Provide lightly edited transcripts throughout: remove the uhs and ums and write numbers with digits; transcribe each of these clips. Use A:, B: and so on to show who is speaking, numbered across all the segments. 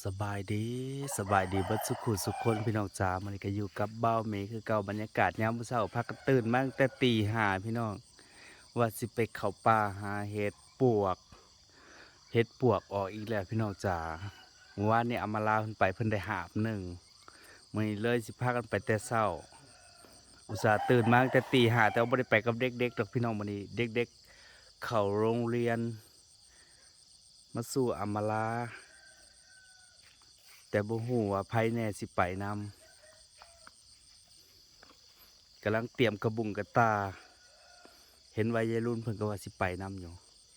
A: สบายดีเบิดสุขุสุขคนพี่น้องจ๋ามันก็อยู่กับเบ้าเมคือเก่าบรรยากาศยามมื้อเช้าพักกันตื่นมาตั้งแต่ตีห้าพี่น้องว่าสิไปเข้าป่าหาเห็ดปวกออกอีกแล้วพี่น้องจ๋าเมื่อวานนี้อามาลาเพิ่นไปเพิ่นได้หาบหนึ่งมื้อนี้เลยสิพากันไปแต่เช้าอุตส่าห์ตื่นมาตั้งแต่ตีห้าแต่ว่าบ่ได้ไปกับเด็กๆดอกพี่น้องมื้อนี้เด็กๆเข้าโรงเรียนมาสู่อามาลาแต่บ่ฮู้ว่าไผแน่สิไปนำกำลังเตรียมกระบุงกระตาเห็นวัยรุ่นเพิ่นก็ว่าสิไปนำอยู่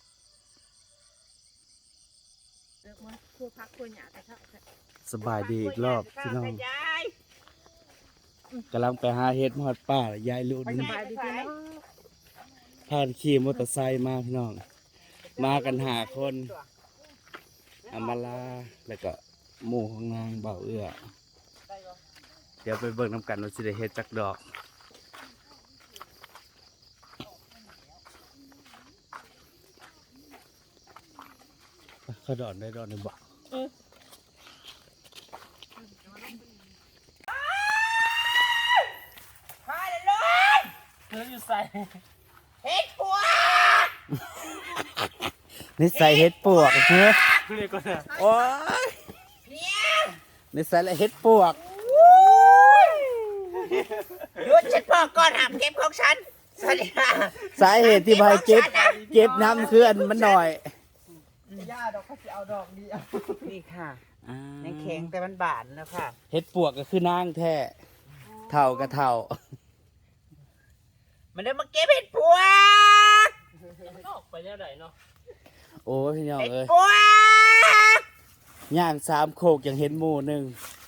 B: มันคู่พักคู่หยาแต่เท่า
A: สบายดีอีกรอบพี่น้องกำลังไปหาเห็ดมอดป่ายายรุ่น
B: สบายดีพี่น้อง
A: พาขี่มอเตอร์ไซค์มาพี่น้องมากันหาคนอามาลาแล้วก็หมู่ของนางเบาเอื้อเดี๋ยวไปเบิ่งนำกันว่าสิได้เฮ็ดจักดอกเขาดอนได้ดอนในบ่
B: พาเลยลูก
C: เธออยู่ใส่
B: เฮ็ดผัว
A: นิสัยเฮ็ดปวกเฮ้ย
C: เรียกก็ได้
A: โอ้ย
B: เนี่ย
A: นิสัยละเฮ็ดปวก
B: หยุดฉันพ่อก่อนห้ามเก็บของฉันสวัสดีค่ะ
A: สาเหตุที่ใบเก็บน้ำคืออันมันหน่อย
C: ย่าดอกเขาจะเอาดอกเดียว
B: นี่ค่ะในแข็งแต่มันบานแล้วค่ะ
A: เฮ็ดปวกก็คือนางแท้เท่ากับเท่า
B: มันเดินมาเก็บเฮ็ดผัว
C: มันออกไปแนวไหนเนาะ
A: โอ้ยพี่น้อง
B: เฮ็ด
A: เอ้ย
B: ผัว
A: ย่างสามโคกยังเห็นหมู่หนึ่ง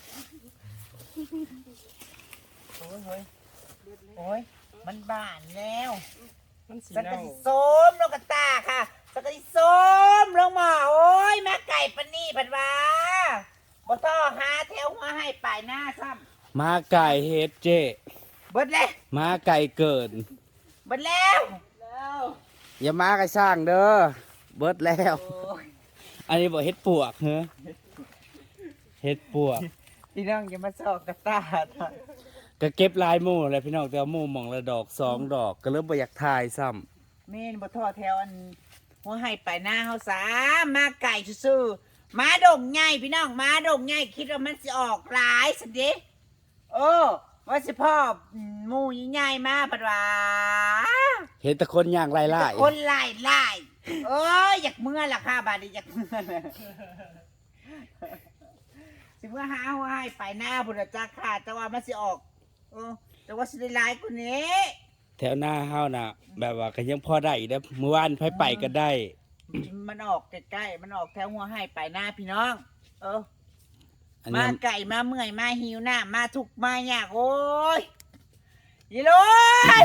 B: โอ้ยเฮ้ยโอ้ยมันบานแล้ว
C: มันสี
B: สัก
C: เน่าก
B: ะสิส้มลงกระตาค่ะสักกะสิส้มลงหม้อโอ้ยมาไก่ปานนี่ปันว่าบ่ต้องหาแถวหัวให้ปลายหน้าซ้ำ
A: มาไก่เฮ็ดเจ
B: เบิดแล้ว
A: มาไก่เกิน
B: เบิดแล้ว
A: อย่ามาไก่สร้างเด้อเบิดแล้ว
B: โอ้ย
A: อันนี้บอกเฮ็ดปวกเหรอเฮ็ดปวก
B: พี่น้องอย่ามาซอกกระตา
A: ก็เก็บลายหมู่แหละพี่น้องแต่ว่าหมู่หม่องละดอกสองดอกก็เริ่มบ่อยากทายซ้ำ
B: แม่นบ่ทอแถวอันหัวให้ปลายหน้าเฮาซามาไก่ซื่อๆมาดงใหญ่พี่น้องมาดงใหญ่คิดว่ามันสิออกหลายสิเด้ว่าสิพ่อหมู่ใหญ่ๆมาปัดว่า
A: เห็นแต่คนย่างไล่
B: แต่คนไล่โอ้ยอยากเมื่อล่ะค่ะบาดนี้อยากเมื่อน่ะสิเมื่อหาหัวให้ปลายหน้าพุ่นน่ะจักค่ะแต่ว่ามันสิออกแต่ว่าสิได้หลายกว่านี้
A: แถวหน้าเฮาน่ะ แบบว่าก็ยังพอได้อีกนะเมื่อวานไปก็ได้
B: มันออกใกล้ๆมันออกแถวหัวให้ปลายหน้าพี่น้อง
A: อัน
B: มา
A: นี้
B: ไก่มาเมื่อยมาหิวหน้ามาทุกข์มายากโอ้ยยีรุน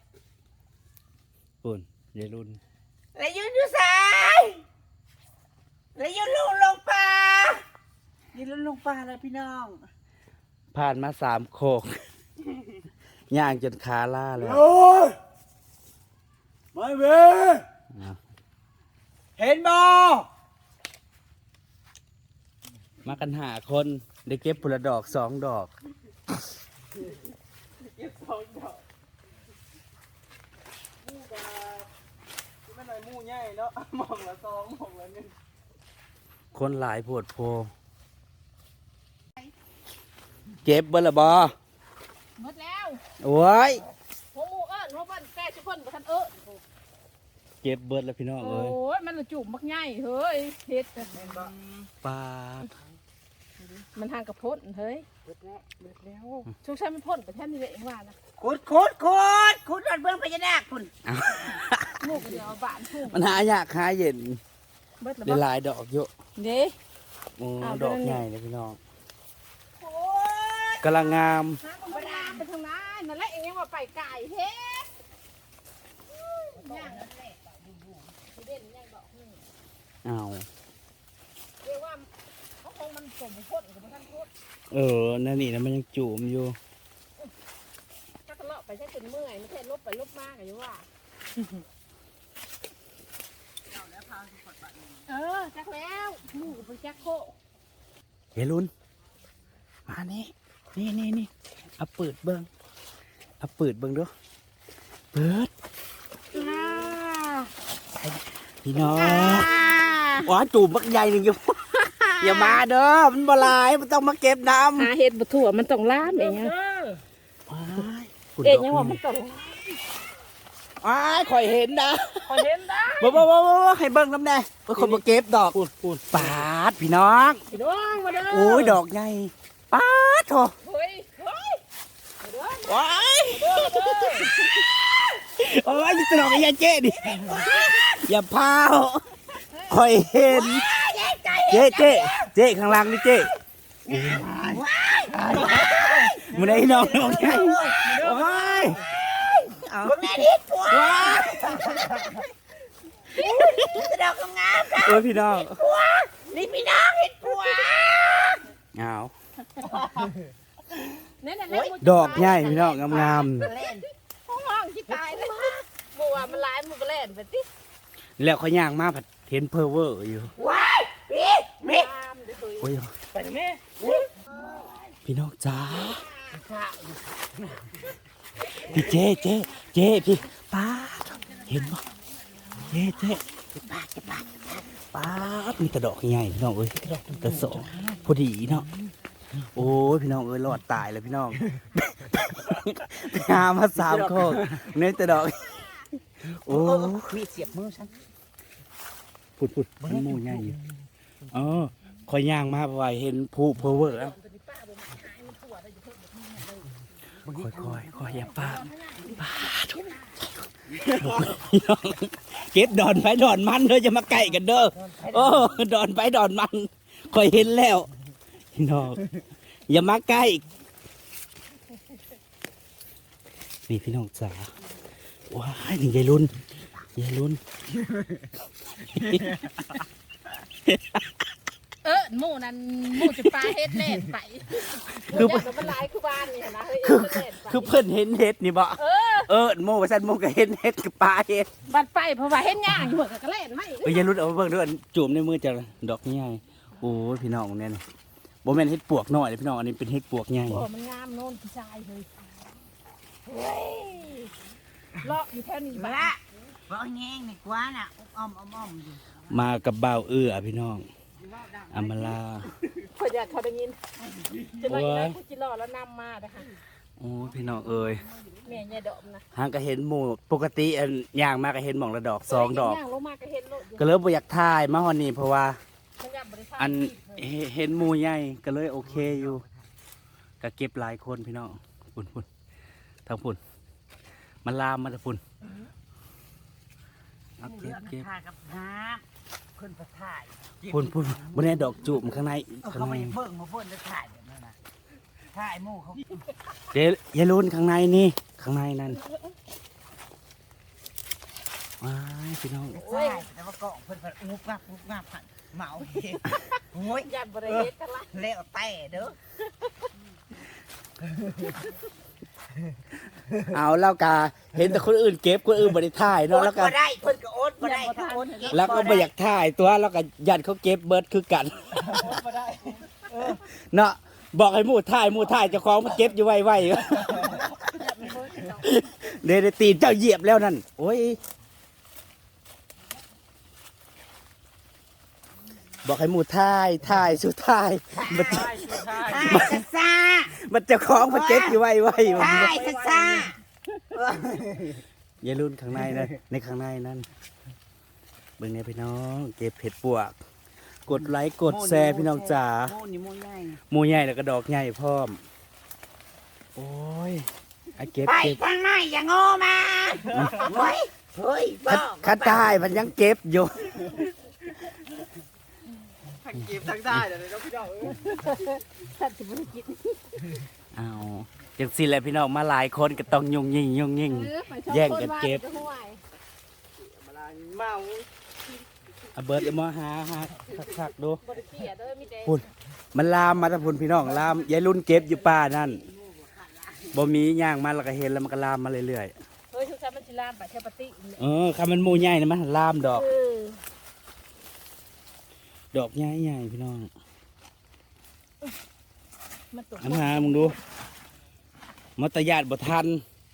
A: ปุ่นยายรุ่น
B: แล้วยืนอยู่สายแล้วยืนลงป่ายืนลงป่าเลยพี่น้อง
A: ผ่านมาสามโคก ย่างจนขาล่าเลย
C: โอ้ยไม่เว้
B: เห็นบ่
A: มากันหาคนได้เก็บผลดอกสองดอก
C: เก็บสองดอกมู่กาไม่หน่อยมู่ใหญ่เนาะหม่องละสองหม่องละหนึ่ง
A: คนหลายโพดโพเก็บเบอร์ละบอ
D: หมดแล้ว
A: โอ้ย
D: หัวหมูเอิญหัวบ้านแก่ชุกคนบ่ทัน
A: เก็บเบิร์ดแล้วพี่น้อง
D: โอ้
A: เอ้ย
D: ยมันละจุ่มมักใหญ่เฮ้ยเฮ็ด
A: ปลา
D: มันทางกับพ่นเฮ้ย
B: เบิดแล้ว
D: ช่วงใช้มันพ่นไปแท่นี้เลยเองว่านะ
B: ขุดรถเบื้องพญานาคคุณ
D: หมูกเดียวบ้านทุ่ง
A: มันหายากหาเย็น
D: เบิดแล้ว
A: ได้
D: บ่
A: หลายดอกเยอะ
D: เด้
A: โอ้
D: อ้าว
A: ดอก
D: เป็นไง
A: ใหญ่เลยพี่น้อง
B: โอ้ย
A: กำลังงาม
D: หาคนมาไปทางนั้นนั่นแหละเองยังว่าไปไก่เฮ็ดย่างนั่นแหละเด่นยังดอกนึง
A: อ้าว
D: เรียกว่าเขาคงมันสมพ่นกับท่านพ่น
A: นั่นนี่นะมันยังจุ่มอยู่
D: ถ้าทะเลาะไปใช้จนเมื่อยไม่ใช่ลบไปลบมากอย่างว่าจักแล้วหมูกับจักโค
A: ยายลุนมานี่นี่เอาเปิดเบิ้งดูเปิดพี่น้องว้าจูบบักใหญ่หนึ่งอยู่ อย่ามาเด้อมันบ่หลายมันต้องมาเก็บน้ำ
D: หาเห็ดบ่ถั่วมันต้องล้ามเองยังว่ามันต้อง
A: อ้ายข่อยเห็นนะ
D: เห็นได้
A: บ่ให้เบิ่งน้ำแน่เพื่อคนมาเก็บดอกพูดปาดพี่น้อง
D: พี่น้องมาเด้อ
A: โอ้ยดอกใหญ่ปาดโถ
D: เฮ้ย
A: ว้ายโอ้ยจะดอกไอ้ยาเจ๊ดิอย่าพาวข่อยเห็นเจ๊ข้างล่างนี่เจ๊มันได้น้องใหญ่โอ้ย
B: คนแม่นิดผัวจะดอกงามๆนะ
A: โอ้ยพี่น้อง
B: ผัวนี่พี่น้องเห็นผัว
A: เอา
D: นั่น
A: ดอกใหญ่พี่น้องงาม
B: เล่น
D: ห้องที่ตายเลยบัวมันหลายมันก็เล่นไปติ
A: ๆแล้วเขาย่างมาผัดเห็นเพอเวอร์อยู่
B: ว้ายพี่มิ
D: ตามเด้อ
A: โอ้ย
B: ไปแม่
A: พี่น้องจ้าพี่เจ๊พี่ป้าดเห็นบ่เจ๊ป้าดมีแต่ดอกใหญ่พี่น้องเอ้ยแต่สองพอดีเนาะโอ้ยพี่น้องเอ้ยรอดตายแล้วพี่น้องไปหามา3 โคกเนื้อแต่ดอกโอ้
B: มีเสียบมือฉัน
A: พุดมันหมูใหญ่อยู่คอยย่างมาเพราะว่าเห็นผู้เพอเวอร์แล้วคอยอย่าป้าเก็บดอนไปดอนมันเด้อจะมาไก่กันเด้อโอ้ดอนไปดอนมันคอยเห็นแล้วพี่น้องอย่ามาใกล้นี่พี่น้องจ๋าว้ายนี่ยายรุ่น
D: หมู่นั้นหมู่จะปลาเฮ็ดเล่นไปคือมันหลายคือบ้านนี่นะ
A: คือเพิ่นเห็นเห็ดนี่บ่โม่ว่าซั่นโม่ก็เห็นเห็ดกับปลาเห็ด
D: บัดไปเพราะว่าเฮ็ดย่างอยู่เหมือนก็เล่นไม่
A: ยายรุ่นเอามาเบิ่งด้วยจุ่มในมือจ้ะดอกใหญ่โอ้ยพี่น้องเนี่ยนะบ่แม่นเห็ดปวกน้อยเลยพี่น้องอันนี้เป็นเห็ดปวกใหญ่
D: โอ้มันงามโน่นพี่ชายเลยเลาะอยู่แถวนี้
B: มา
D: บ้า
B: ละบอกแง่งนี่กว่าน่ะอ้อมอยู่
A: มากับบ่าวพี่น้องอำมาลา
D: พออยากเขาได้ยินจะลอยได้ผู้จิรอแล้วนำมานะคะ
A: โอ้ยพี่น้องเอ้ย
D: แม่เนี่ยดอกนะ
A: หางก็เห็นหมู่ปกติอันย่างมาก็เห็นหม่องละดอก2 ดอก
D: ย่างลงมาก็เห็นโลด
A: ก็เลยบ่อยากถ่ายมาฮอดนี้เพราะว่า
D: มันยับบริษัท
A: อันเห็นหมู่ใหญ่ก็เลยโอเคอยู่ก็เก็บหลายคนพี่น้องพุ่นทางพุ่นมันลามมาทางพุ่นเอาเก็บ
B: ถ่ายกับน้ำคนประถ่าย
A: พุ่นบนนี้ดอกจูบข้างใน
B: เขาไม่เบิ่งมาเบิ่งแล้วถ่ายแบบนั้นนะถ่ายหมู่เขา
A: เดี๋ยวยายรุ่นข้างในนี่ข้างในนั่นว้ายพี่น้อง
B: ถ่ายแต่ว่าก็เพิ่นงุบงับเหมาเองโอ้ย
D: ยันบริเฮ็ดกันละ
B: แล้วแต่เด้อ
A: เอาแล้วกาเห็นแต่คนอื่นเก็บคนอื่นบริถ่ายเนาะแล้วก็
B: บ่ได้เพิ่นก็โอ๊ตบ่ได้เขาโอ๊ตเก็บ
A: แล้วก็ไม่อยากถ่ายตัวแล้วก็ยันเขาเก็บเบิร์ดคือกันเนาะบอกให้หมู่ถ่ายเจ้าของมันเก็บอยู่ไวๆเดี๋ยวตีนเจ้าเหยียบแล้วนั่นโอ้ยบอกให้หมู่ถ่ายสุดท้ายมัน
B: ถ่ายซ่า
A: มันเจ้าของมันเก็บอยู่ไวๆ
B: ถ่ายซ่า
A: อย่ารุ่นข้างในนะในข้างในนั่นเบิ่งเนี่ยพี่น้องเก็บเห็ดปวกกดไลค์กดแชร์พี่น้องจ๋า
B: โม่นี่โม่ใหญ่
A: หมูใหญ่แล้วก็ดอกใหญ่พร้อมโอ้ยไอ้เก็บ
B: ไป
A: เก็บ
B: ทางไหนอย่างโง่มาเฮ้ยบ้า
A: คัดได้มันยังเก็บอยู่
C: ทั้งเก็บทั้งได้เดี๋ยวเราพี่น้อง
D: ท่านสิบริกิต
A: เอาจังสิแหละพี่น้องมาหลายคนก็ต้องยุ่งยิ่งแย่งกันเก็บ
C: มาลาเมา
A: เอาเบิร์ดเอามาหาคักๆดู
D: บริเกียดด้วยมีแต่
A: พุ่นมันลามมาถ้าพุ่นพี่น้องลามยายรุ่นเก็บอยู่ป่านั่นบ่มีย่างมาแล้วก็เห็นแล้วมันก็ลามมาเรื่อย
D: เฮ้ยชุกชามันชิลามไปเทปติ
A: ๆคำมันหมูใหญ่นะมันลามดอก
D: เออ
A: ดอกใหญ่ๆพี่น้อง
D: มันตก
A: อันหามึงดูมัตยาดบ่ทัน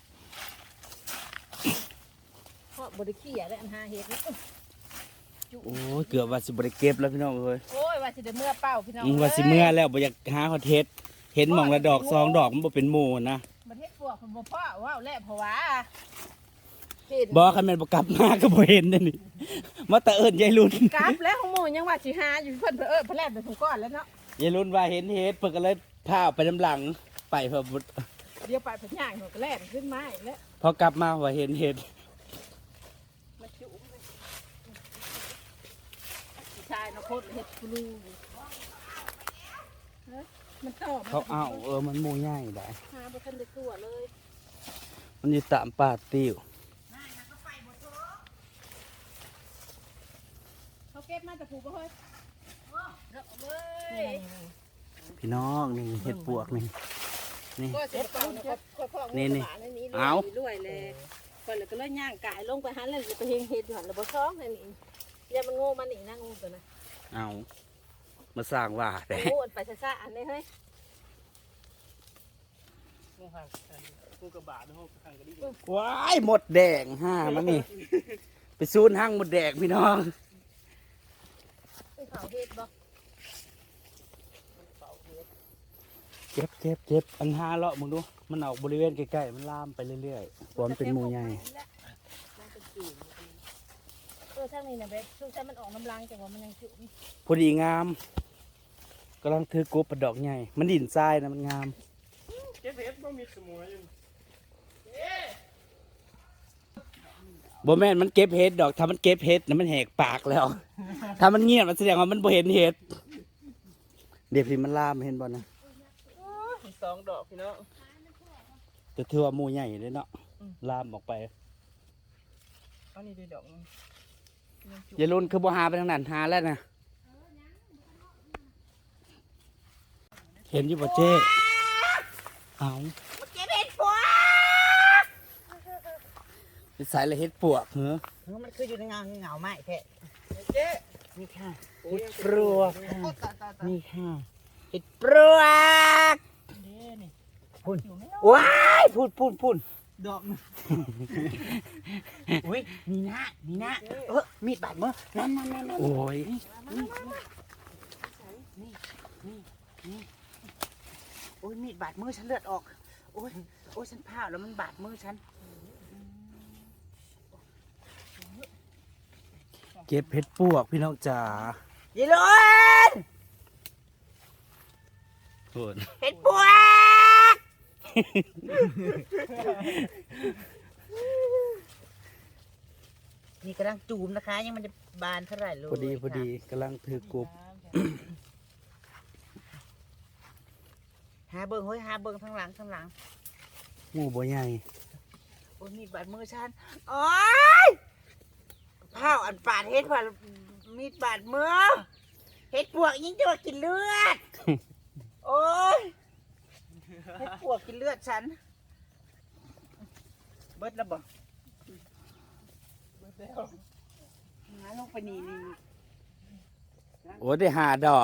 D: เพราะบริขี้อะไรอันหาเห็ดนะ
A: โอ้ยเกือบว่าสิบ่ได้เก็บแล้วพี่น้องเอ้ย
D: โอ้ยว่าสิได้เมื่อเป้าพี่น้อง
A: ว่าสิเมื่อแล้วบ่อยากหาฮอดเฮ็ดเห็นหม่องละดอกสองดอกมันบ่เป็นหมู่นะ
D: ประเทศพวกผมบ่พ่อว้าวแล้วเพราะว่าเห็น
A: บ่คันแม่นบ่กลับมาก็บ่เห็นเด้อนี่มาแต่เอิ้นยายรุ่น
D: กราฟแล้วของหมู่ยังว่าสิหาอยู่เพิ่นเพิ่นแลบไปถุงก้อนแล้วเนาะ
A: ยายรุ่นว่าเห็นเฮ็ดเพิ่นก็เลยพาไปน้ำหลังไปเพิ่นบ่
D: เดี๋ยวไปเพิ่นย่างหนูก็แล่นขึ้นมาอีกแล้ว
A: พอกลับมาว่าเห็นเฮ็ด
D: มาจุ๋มเลยผู้ชายเนาะโคตรเฮ็ดกูรูเฮ้ยมันตอบ
A: เขาเอามันหมู่ใหญ่ได้
D: หาบ่ทันได้ตัวเลย
A: มันอยู่ตามป่าติ้ว
D: เขาเก็บมาแต่ผูกบ่เฮ้ยเว้ย
A: พี่น้องนี่เฮ็ดปวกนี่นี่
D: ก็เสร็จก่อนนะครับพ่อ
A: นี่
D: นี่
A: นี่
D: เอา รวยเลยก่อนแล้วก็เลยย่างกายลงไปหันแล้วไปเฮงเฮ็ดอยู่หันแล้วบ่ซ้องนั่นนี่อย่ามันโง่มันนี่นะงูตัวน่ะ
A: เอามาสร้างว่าแต่
D: โง่อันไปซ่าๆอันนี้เฮ้ย
C: งูห่างงูกระบาดงูห่างกระดิ่ง
A: ว้ายหมดแดงห้ามันนี่ ไปซูนห้างหมดแดงพี่น้อง
D: ไปเผาเฮ็ดบ่
A: เก็บอันห้าเลาะมึงดูมันออกบริเวณใกล้ๆมันลามไปเรื่อยๆความนเป็นหมู่ใหญ่
D: ทางนี้น่ะเบ็ดช่วงแต่มันออกน้ำลังจังว่ามันยังจุ่ม
A: พอดีงามกำลังถือกบประดอกใหญ่มันดินทรายนะมันงาม
C: เก็บเห็ดบ่มีสมุนอยู่
A: บ่แม่นมันเก็บเห็ดดอกถ้ามันเก็บเห็ดนะมันแหกปากแล้ว ถ้ามันเงียบมันแสดงว่ามันบ่เห็นเห็ดเดี๋ยวพี่มันลามเห็นบ่นะ
C: สองดอกพี่น้อง
A: แต่ถือว่าหมู่ใหญ่เลยเนาะลามออกไป
C: อันนี้ด้วยดอกนึง
A: อย่าลุ้นคือบ่หาไปทางนั้นหาแล้วนะเห็นอยู่บ่เจ๊เอา
B: เก็บเห็ดปวก
A: ไปใส่ละเฮ็ดปวกเหรอ
B: มันคืออยู่ในเงาไม้แท้
C: เจ๊
B: นี่ค่ะ
C: โอ้ย
B: ปลวกค่ะ
D: นี่
B: นี่ค่ะเห็ดปลวก
D: นี่
B: พุ่นว้ายพุ่น
C: ดอกนึง
B: อุ้ยนี่นะมีดบาดมือนั่น
A: โอ้ย
B: โอ้ยมีดบาดมือฉันเลือดออกโอ้ยฉันพลาดแล้วมันบาดมือฉัน
A: เก็บเฮ็ดปวกพี่น้องจ๋า
B: ยีรุน
A: โอ้ย
B: เห็ดปวกนี่กำลังจูมนะคะ ยังมันจะบานเท่าไหร่เลย
A: พอดีกำลังถือกบ
B: หาเบิ้งเฮ้ยหาเบิ้งทั้งหลัง
A: หมู่บ่ใหญ่
B: โอ้ยมีดบาดมือฉันโอ้ยข้าวอันปาดเห็ดผ่ามีดบาดมือเห็ดปวกยิ่งจะว่ากินเลือด โอ้ยเห็ดปวกกินเลือดฉันเบิดแล้วบ่หาลงไปนี่
A: โอ้ยได้หาดอก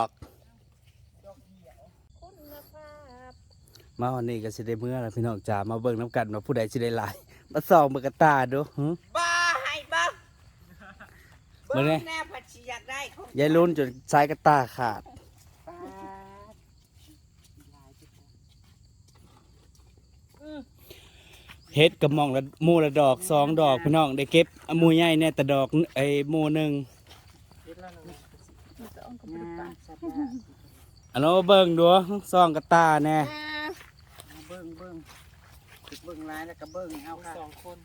D: คุณภาพ
A: มาวันนี้ก็สิได้เมื่อแล้วพี่น้องจ๋ามาเบิ่งน้ำกันว่าผู้ใดสิได้หลายมาส่องเบิ่งกระตาดูหึ
B: บ้าให้บ้า
A: เบิ่งแน่
B: แน่ผัดชีอยากได้ของ
A: ยายลุ้นจนสายกระตาขาด
B: ปาด
A: เฮ็ดกับหมองละหมู่ละดอกสองดอกพี่น้องได้เก็บหมู่ใหญ่เนี่ยแต่ดอกไอ้หมู่หนึง
C: เห็ดแล้วนึง
B: งามสัตว์
A: อันนั้นมาเบิ่งดูส่องกระตาแน่
B: เบิ้งร้ายแล้วก็เบิ้งเอาค่ะ
C: สองคน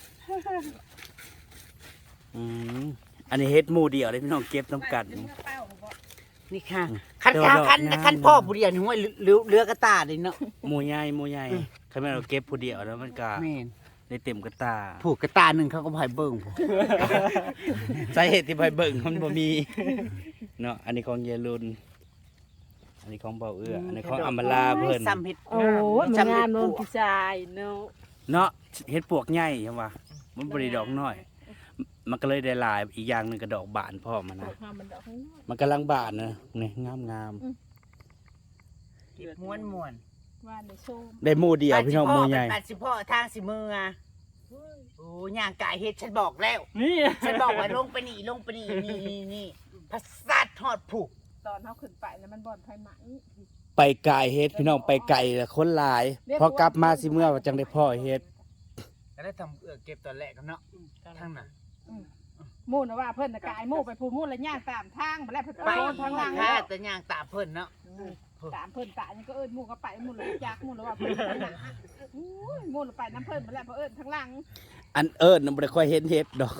A: อืมอันนี้เฮ็ดหมู่เดียวเลยพี่น้องเก็บน้ำกัน
B: นี่ค่ะคัน
A: เดี๋ยวดอก
B: คัน
A: งาม
B: คันพ่อผู้เดียวนี่ห้วยเรือกระตาเลยเนาะ
A: หมู่ใหญ่คันแม่นเราเก็บผู้เดียวแล้วมันก็
B: แม่น
A: ได้เต็มกระตา
B: ผูกกระตาหนึ่งเขาก็พายเบิ้งผม
A: สาเหตุที่ไปเบิ่งมันบ่มีเนาะอันนี้ของยายลุนอันนี้ของเบาเอื้ออันนี้ของอำมาลาเพิ่น
B: ซ้ำเห็ด
D: โอ้ยมันงามเนอะพี่ชายเนาะ
A: เนาะเฮ็ดปวกใหญ่ใช่ป่ะมันบ่ได้ดอกน้อย มันก็เลยได้หลายอีกอย่างหนึงก็ดอกบานพร้อมอะ
D: ดอ
A: นะ
D: กหามันดอกข้างนอก
A: มันกำลังบานนะนี่งาม
B: เก็บม้วน
D: ว่าในโชม
A: ได้หมู่เดียวพี่น้องหมู่ใหญ่
B: ปัดสิพ่อทางสิมืออ่ะโอ้ย่างกายเฮ็ดฉันบอกแล้ว
C: นี่
B: ฉันบอกว่าลงไปนี่นี่พัสดทอดผูก
D: ตอนเขาขึ้นไปแล้วมันบ่อนไฟไหม
A: ไปไกลเฮ็ดพี่น้องไปไกลแล้วคนหลายพอกลับมาสิเมื่อว่าจังได้พ่อเฮ็ด
B: ก็ได้ทำเก็บตอนแรกกันเนาะทางน่ะ
D: หมู่นะว่าเพิ่นน่ะกายหมู่ไปพูหมู่แล้วย่างตามทางมาแล้วเพิ่นไปทางหลัง
B: แค่แต่ย่างตาเพิ่นเนาะ
D: ตามเพิ่นตานี่ก็เอิ้นหมู่ก็ไปหมู่เลยจักหมู่แล้วว่าเพิ่นทางหลังอู้ยหมู่ไปน้ำเพิ่นมาแล้วเพราะเอิ้นทางหลัง
A: อันเอิ้นน่ะบ่ได้ค่อยเห็นเฮ็ดดอก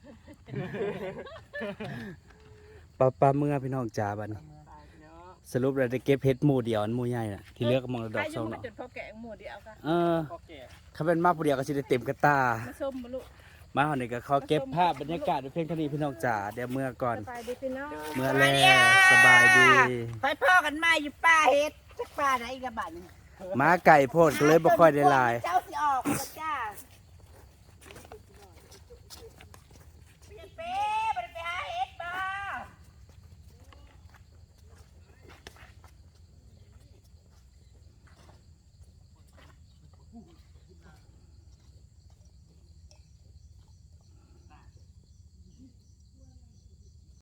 A: ปลาเมื่อพี่น้องจ๋าบัดนี้สรุปแล้วได้เก็บเฮ็ดหมู่เดียวอันหมู่ใหญ่น่ะที่เหลือก็มองดอกสองดอก
D: จนพอแกงหมู่เดียวกัน
C: พอแก่
A: ถ้าเป็นมาผู้เดียวก็สิได้เต็มกระตา
D: มาชมบ่ลูก
A: มาเฮานี่ก็ขอเก็บภาพบรรยากาศไว้เพียงเท่านี้พี่น้องจ๋าเดี๋ยวเมื่อก่อน
D: ไปดีพี่น้อง
A: เมื่อแล้วสบายดี
B: ไปพ่อกันมาอยู่ป้าเฮ็ดจักป้าไหนกับบัด
A: มาไก่โพดก็เลยบ่ค่อยได้หลาย
B: เจ้าสิออกจ้า